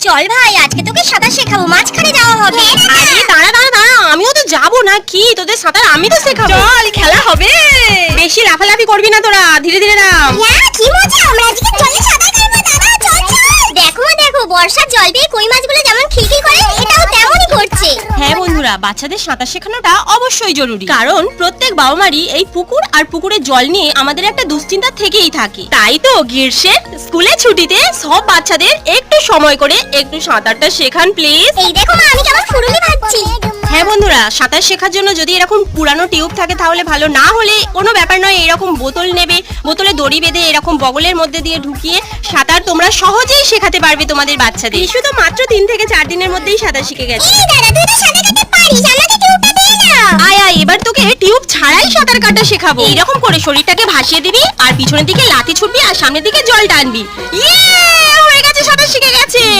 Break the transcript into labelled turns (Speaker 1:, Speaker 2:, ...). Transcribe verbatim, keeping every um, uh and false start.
Speaker 1: চল ভাই, আজকে তোকে সাঁতার শেখাবো, মাঝখানে যাওয়া হবে।
Speaker 2: আরে দাঁড়া দাঁড়া দাঁড়া, আমিও তো যাবো না কি, তোদের সাঁতার আমি তো শেখাবো।
Speaker 1: চল, খেলা হবে।
Speaker 2: বেশি লাফালাফি করবি না তোরা, ধীরে ধীরে নাম।
Speaker 1: হ্যাঁ, কি মজা, আমরা আজকে জলে সাঁতার কাটবো দাদা, চল চল। দেখো মা দেখো, বর্ষার জল পেয়ে কই মাছগুলো যেমন খিলখিল করে, এটাও তেমনই করছে।
Speaker 2: হ্যাঁ বন্ধুরা, বাচ্চাদের সাঁতার শেখানোটা অবশ্যই জরুরি, কারণ প্রত্যেক বাবা মারই এই পুকুর আর পুকুরের জল নিয়ে আমাদের একটা দুশ্চিন্তা থেকেই থাকে। তাই তো গ্রীষ্মের স্কুলে ছুটিতে সব বাচ্চাদের একটু সময় করে একটু সাঁতারটা শেখান প্লিজ।
Speaker 1: এই দেখো মা, আমি কেমন ফুরুলি ভাবছি।
Speaker 2: হ্যাঁ বন্ধুরা, সাঁতার শেখার জন্য যদি এরকম পুরানো টিউব থাকে তাহলে ভালো, না হলে কোনো ব্যাপার নয়, এরকম বোতল নেবে, বোতলে দড়ি বেঁধে এরকম বগলের মধ্যে দিয়ে ঢুকিয়ে সাঁতার তোমরা সহজেই শেখাতে পারবে তোমাদের বাচ্চাদের। শিশু তো মাত্র তিন থেকে চার দিনের মধ্যেই সাঁতার শিখে গেছে।
Speaker 1: এই দাদা, তুই তো সাঁতার কাটতে পারিস, আমাকে টিউবটা দে না।
Speaker 2: আয় আয়, এবার তোকে টিউব ছাড়াই সাঁতার কাটা শেখাবো। এইরকম করে শরীরটাকে ভাসিয়ে দিবি আর পিছনের দিকে লাথি ছুটবি আর সামনের দিকে জল টানবি। ইয়ে, হয়ে গেছে, সাঁতার শিখে গেছে।